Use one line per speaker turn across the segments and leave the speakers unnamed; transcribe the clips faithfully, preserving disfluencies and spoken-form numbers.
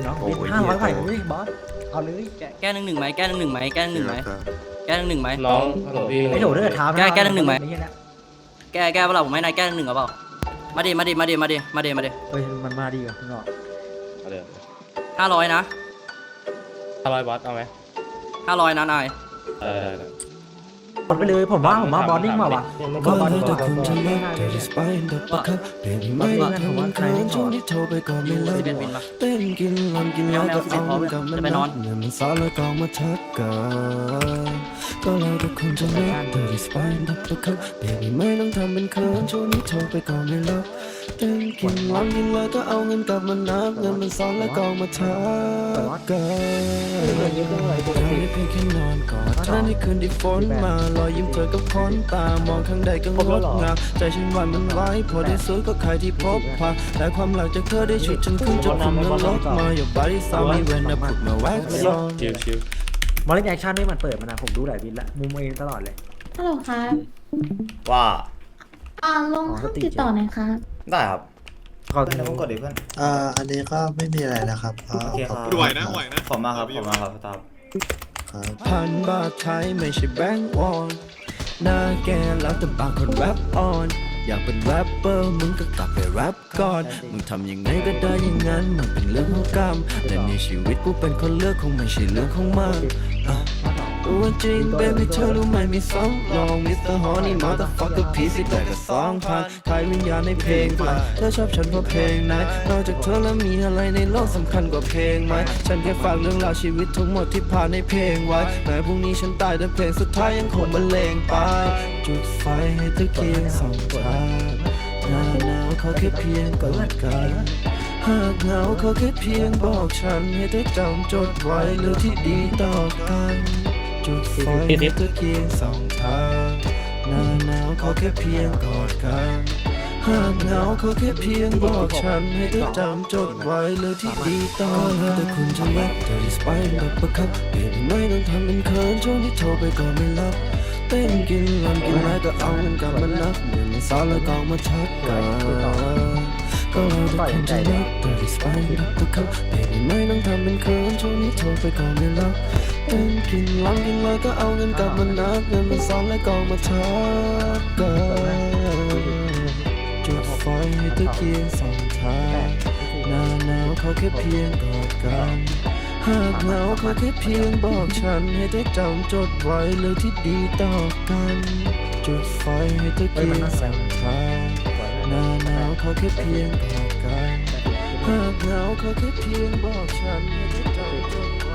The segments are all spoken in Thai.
เนาะห้าร้อยไหวเลยบอสเอาเลย
แก้หนึ่งหนึ่งไหมแก้หนึ่งหนึ่งไหมแก้หนึ่งหนึ่งไหมแก้หนึ่งหนึ่งไหม
น้องฮัลโหลพี่
ไอ้โดดด้วยเท้า
แก้แก้หนึ่งหนึ่งไหม แก้แก้เปล่าผมให้นายแก้หนึ่งหนึ่งหรือเปล่ามาดิมาดิมาดิมาดิมาดิมาดิ
เฮ้ยมันมาดีกว่าข้างนอก
เอาเลย
ห้าร้อยนะ
ห้าร้อยบอสเอาไหม
ห้าร้อยนะนาย
เออ
หมดไปเลยผมว่าผมว่าบอลนิ่งมาว่ะบอลบอลนิ่ง
ก็คุณจะเลิกแต่ที่สไปน์ดับประคับเปลี่ยนไม่ได้ทำมันเคินช่วงที่โทรไปก็ไม่เลิกเต้นกินลำกินแล้วก็เอากับมันนับเงินมันซ้อนแล้วก็มาทักกันก็เลยก็คุณจะเลิกแต่ที่สไปน์ดับประคับเปลี่ยนไม่ต้องทำเป็นเคินช่วงที่โทรไปก็ไม่เลิกเต้นกินลำกินแล้วก็เอาเงินกับมันนับเงินมันซ้อนแล้วก็มาทักกันไม่เพียงแค่นอนกอดเธอในคืนที่ฝนมารอยยิ้มเธอกับคนตามองข้างใดก็งดงามใจฉันหวั่นมันไหวพอที่สุดก็ใครที่พบพาแต่ความหลังจากเธอได้ชุดฉันขึ้นจนผมนั้นลดมา Your body saw me when I put my wax on
ชิวชิว
บอลเล่นแอคชั่นไม่มันเปิดมานะผมดูหลายวินละมุมเองตลอดเลย
ฮัลโหลครับ
ว่า
อ่าลงห้องติดต่อหน่อยครับ
ได้ครับ
ขอ
เพื่อนผมกดดิเพื่อน
อ่าอันนี้ก็ไม่มีอะไรแล้วครับอ่า
โอเคครับ
ไหวนะไหวนะ
ขอบมากครับขอบมากครับตาม
ครับ
พันบาทไทยไม่ใช่แบงก์วอนหน้าแกแล้วแต่บางคนแรปออนอยากเป็นแรปเปอร์มึงก็กลับไปแรปก่อนมึงทำยังไงก็ได้อย่างนั้นมันเป็นเรื่องของกรรมแต่ในชีวิตกูเป็นคนเลือกคงไม่ใช่เรื่องของมันอ่ะตัวจริง baby เธอรู้ไหมมีสองลอง มิสเตอร์ Honey motherfucker พีสิแต่ก็สองพันขายวิญญาณในเพลงพันเธอชอบฉันเพราะเพลงไหนนอกจากเธอแล้วมีอะไรในโลกสำคัญกว่าเพลงไหมฉันแค่ฝากเรื่องราวชีวิตทั้งหมดที่ผ่านในเพลงไว้แม้พรุ่งนี้ฉันตายแต่เพลงสุดท้ายยังคงบรรเลงไปจุดไฟให้ตะเกียงสองทางหน้าหนาวขอแค่เพียงกอดกันหากเหงาขอแค่เพียงบอกฉันให้เธอจำจดไว้เรื่องที่ดีต่อกันจุดไฟให้ตะเกียงสองทางหน้าหนาวขอแค่เพียงกอดกันหากเหงาขอแค่เพียงบอกฉันให้เธอจำจดไว้เรื่องที่ดีต่อกันแต่คุณจะรักเธอที่สไปน์ดับประคับเปลี่ยนไม่ต้องทำเป็นเขินช่วงที่โทรไปก็ไม่รับเต้นกินลำกินแล้วก็เอาเงินกลับมานับเงินมันซ้อนแล้วก็มาทักกันก็เราทุกคนจะรักแต่ที่สไปน์ดับประคับเปลี่ยนไม่ต้องทำเป็นเขินช่วงที่โทรไปก็ไม่รับเต้นกินลำกินแล้วก็เอาเงินกลับมานับเงินมันซ้อนแล้วก็มาทักกันจุดไฟให้ตะเกียงสองทางหน้าหนาวเขาแค่เพียงกอดกันหากเหงาเขาแค่เพียงบอกฉันให้เธอจำจดไว้เรื่องที่ดีต่อกันจุดไฟให้ตะเกียงสองทางหน้าหนาวเขาแค่เพียงกอดกันหากเหงาเขาแค่เพียงบอกฉันให้เธอจำจดไว้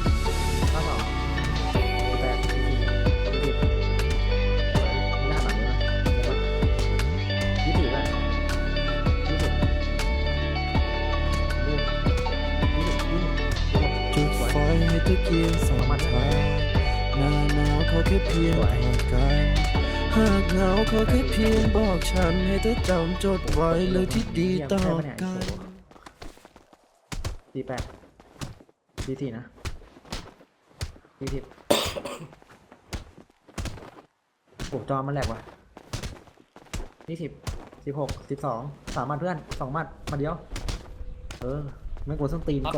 จุดไฟให้ตะเกียงสองทางหน้าหนาวเขาแค่เพียงกอดกันหากเหงาเขาแค่เพียงบอกฉันให้เธอจำจดไว้เรื่องที่ดีต่อกัน
ดีแปดดีสี่นะดีสิบโอ้จอมันแหลกว่ะนี่สิบสิบหกสิบสองสามมัดเพื่อนสองมัดมาเดียวเออไม่กลัวส้นตีน